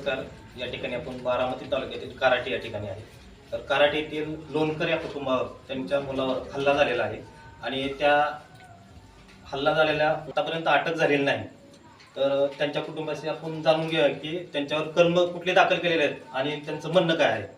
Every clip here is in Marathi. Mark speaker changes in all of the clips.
Speaker 1: नमस्कार. या ठिकाणी आपण बारामती तालुक्यातील कराटे या ठिकाणी आहे. तर कराटे येथील लोणकर या कुटुंबावर त्यांच्या मुलावर हल्ला झालेला आहे आणि त्या हल्ला झालेल्या आतापर्यंत अटक झालेली नाही. तर त्यांच्या कुटुंबाशी आपण जाणून घेऊया की त्यांच्यावर कलम कुठले दाखल केलेले आहेत आणि त्यांचं म्हणणं काय आहे.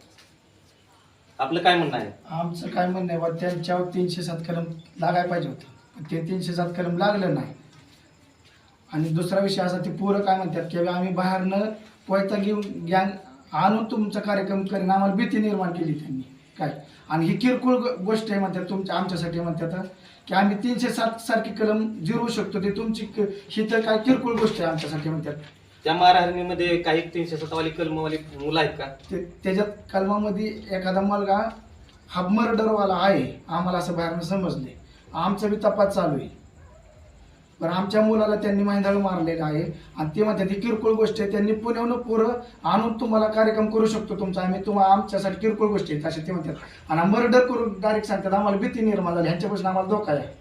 Speaker 1: आपलं काय म्हणणं आहे?
Speaker 2: आमचं काय म्हणणं आहे बा, त्यांच्यावर 307 कलम लागायला पाहिजे होतं, पण ते 307 कलम लागलं नाही. आणि दुसरा विषय असा, ते पोरं काय म्हणतात की आम्ही बाहेरनं पोयता घेऊन गॅंग आणून तुमचा कार्यक्रम करेन, आम्हाला भीती निर्माण केली त्यांनी काय. आणि ही किरकोळ गोष्ट आहे म्हणतात तुमच्या आमच्यासाठी, म्हणतात की आम्ही 307 सारखी कलम जिरवू शकतो, ते तुमची ही तर काय किरकोळ गोष्ट आहे आमच्यासाठी म्हणतात.
Speaker 1: त्या मारहाणीमध्ये काही 307 वाली कलमवाली मुलं आहेत का?
Speaker 2: त्याच्यात कलमामध्ये एखादा मुलगा हा मर्डरवाला आहे, आम्हाला असं बाहेरनं समजले. आमचा बी तपास चालू आहे. पण आमच्या मुलाला त्यांनी महिंदाळ मारलेला आहे आणि ते म्हणतात ही किरकोळ गोष्ट आहे, त्यांनी पुण्याहून पोरं आणून तुम्हाला कार्यक्रम करू शकतो तुमचा, आम्ही तुम्हाला आमच्यासाठी किरकोळ गोष्टी आहेत असे ते म्हणतात. आणि मर्डर करून डायरेक्ट सांगतात, आम्हाला भीती निर्माण झाली, ह्यांच्यापासून आम्हाला धोका आहे.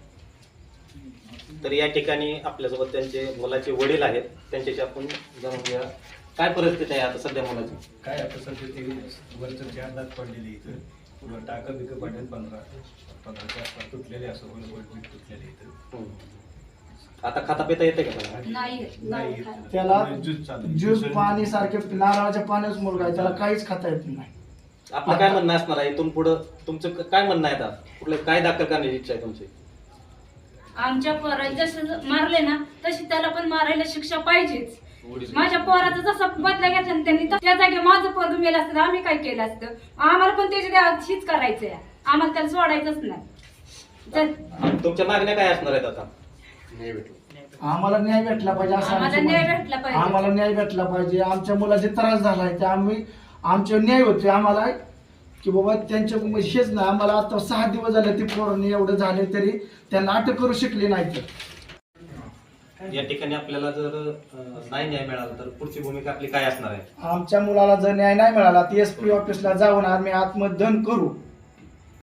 Speaker 1: तर या ठिकाणी आपल्यासोबत त्यांचे मुलाचे वडील आहेत, त्यांच्याशी आपण जाणून घेऊया काय परिस्थिती आहे आता सध्या मुलाची.
Speaker 3: काय आता सध्या ते वरचं 4 दात पडलेले इथं, पुढं टाकं बिकं पडलेत 15च्या आसपास तुटलेले, असं वर तुटलेले इथं.
Speaker 1: आता खाता पिता येते का त्याला?
Speaker 3: नाही
Speaker 2: त्याला
Speaker 3: ज्यूस चालू,
Speaker 2: ज्यूस पाणी सारखे नारळाच्या पाण्याच मुलगा आहे, त्याला काहीच खाता येत नाही.
Speaker 1: आपलं काय म्हणणं असणार आहे इथून पुढं? तुमचं काय म्हणणं आहे आता? कुठलं काय दाखल करण्याची इच्छा आहे तुमची?
Speaker 4: आमच्या पोराला जसं मारले ना तशी त्याला पण मारायला शिक्षा पाहिजेच. माझ्या पोराचा जसा बदला घेतला ना त्यांनी, त्या जागी माझं पोरग मेलं असतं, आम्ही काय केलं असतं? आम्हाला पण त्याच्या हीच करायचंय, आम्हाला त्याला सोडायचंच नाही.
Speaker 1: तुमच्या मागण्या काय असणार आहेत आता?
Speaker 2: आम्हाला न्याय भेटला पाहिजे असं
Speaker 4: आम्हाला
Speaker 2: आमचं
Speaker 4: न्याय
Speaker 2: म्हणणं.
Speaker 4: भेटला पाहिजे.
Speaker 2: आम्हाला न्याय भेटला पाहिजे. आमच्या मुलाचे त्रास झालाय ते आम्ही आमचे न्याय होते आम्हाला की बाबा त्यांच्या हेच ना, आम्हाला आता 6 दिवस झाले ते पोरांनी एवढं झाले तरी त्यांना अटक करू शकले नाही. तर
Speaker 1: या ठिकाणी आपल्याला जर नाही न्याय मिळाला तर पुढची भूमिका आपली काय असणार आहे?
Speaker 2: आमच्या मुलाला जर न्याय नाही मिळाला तर SP ऑफिसला जाऊन आम्ही आत्मदहन करू.